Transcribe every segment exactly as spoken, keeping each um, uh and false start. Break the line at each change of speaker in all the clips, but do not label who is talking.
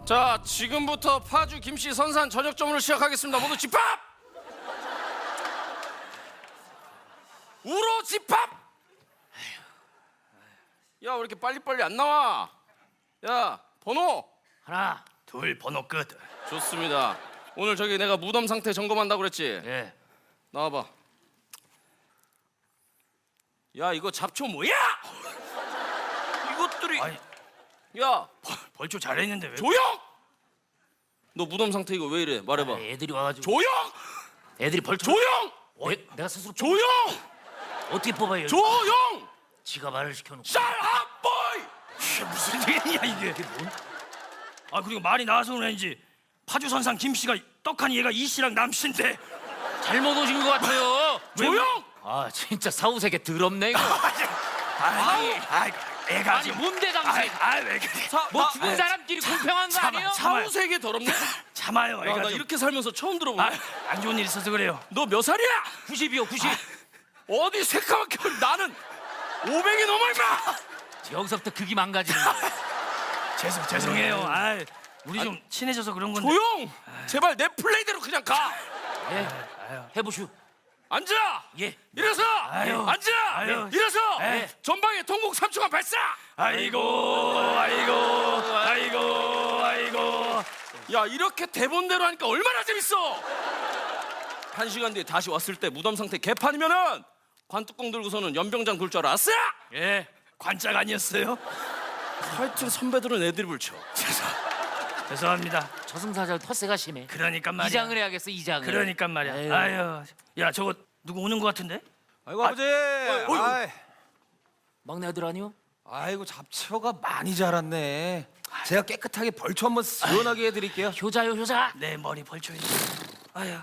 자, 지금부터 파주 김씨 선산 저녁점으로 시작하겠습니다. 모두 집합! 우로 집합! 야, 왜 이렇게 빨리빨리 안 나와? 야, 번호!
하나, 둘, 번호 끝.
좋습니다. 오늘 저기 내가 무덤 상태 점검한다고 그랬지?
예.
나와봐. 야, 이거 잡초 뭐야? 이것들이.
아니,
야,
벌, 벌초 잘했는데 왜?
조용! 너 무덤 상태 이거 왜 이래? 말해봐.
아, 애들이 와가지고.
조용!
애들이 벌초.
조용!
어, 애, 내가 스스로. 뽑-
조용!
어떻게 뽑아요?
조용!
지가 말을 시켜놓고.
Shut up, boy!
이게 무슨 일이야 이게? 이게 뭔? 아 그리고 말이 나와서 그런지 파주 선상 김 씨가 떡하니 얘가 이 씨랑 남 씨인데.
잘못 오신 것 같아요.
조용!
아 진짜 사후세계 더럽네 이거.
아니, 아이, 애가
아니
지금.
뭔데 당신?
아이, 왜 그래?
사,
뭐
나-
죽은
에,
사람끼리 공평한 거
참아,
아니에요?
참아.
사후세계 더럽네?
참아요,
야,
애가
나
좀.
이렇게 살면서 처음 들어보네.
아, 안 좋은 일 있어서 그래요.
너 몇 살이야?
구십이요 구십.
어디 새까맣게 어리- 나는 오백이 넘어 임마!
여기서부터 극이 망가지는 거예요.
죄송, 죄송해요. 아, 우리 좀 친해져서 그런 건데.
조용! 제발 내 플레이대로 그냥 가!
예. 해보슈.
앉아!
예.
일어서!
아유.
앉아!
아유.
일어서!
에.
전방에 통곡 삼 초간 발사!
아이고, 아이고, 아이고, 아이고.
야, 이렇게 대본대로 하니까 얼마나 재밌어! 한 시간 뒤에 다시 왔을 때 무덤 상태 개판이면은 관뚜껑 들고서는 연병장 굴 줄 알았어?
예, 관짝 아니었어요?
하여튼 선배들은 애드립을 쳐.
죄송, 죄송합니다.
저승사자 텃세가 심해.
그러니까 말이야.
이장을 해야겠어 이장을.
그러니까 말이야.
에휴.
아유, 야 저거 누구 오는 것 같은데?
아이고 아버지. 아이,
막내 아들 아니요?
아이고 잡초가 많이 자랐네. 제가 깨끗하게 벌초 한번 시원하게 해드릴게요.
효자요 효자.
내 머리 벌초에. 아유.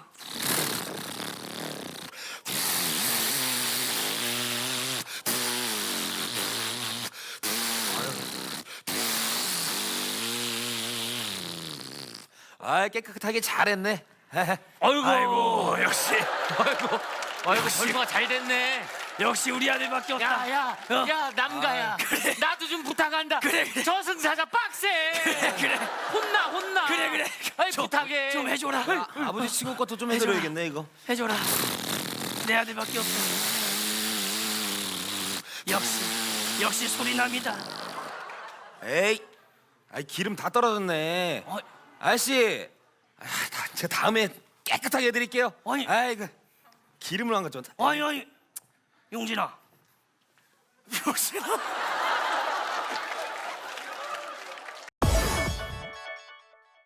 아 깨끗하게 잘했네.
아이고, 아이고 역시,
아이고 아이고 벌초가 잘 됐네.
역시 우리 아들밖에 없다.
야야
어?
야 남가야.
그래.
나도 좀 부탁한다.
그래, 그래.
저승사자 빡세.
그래, 그래.
혼나 혼나.
그래, 그래.
아이
좀,
부탁해.
좀 해줘라.
아, 아버지 친구 것도 좀 해드려야겠네 이거.
해줘라. 내 아들밖에 없어. 역시, 역시 소리남이다.
에이, 아이 기름 다 떨어졌네.
어,
아저씨, 아, 다, 제가 다음에 깨끗하게 해드릴게요.
아니.
아이고 기름을 안 가져왔다.
아니 아니, 용진아. 용진아.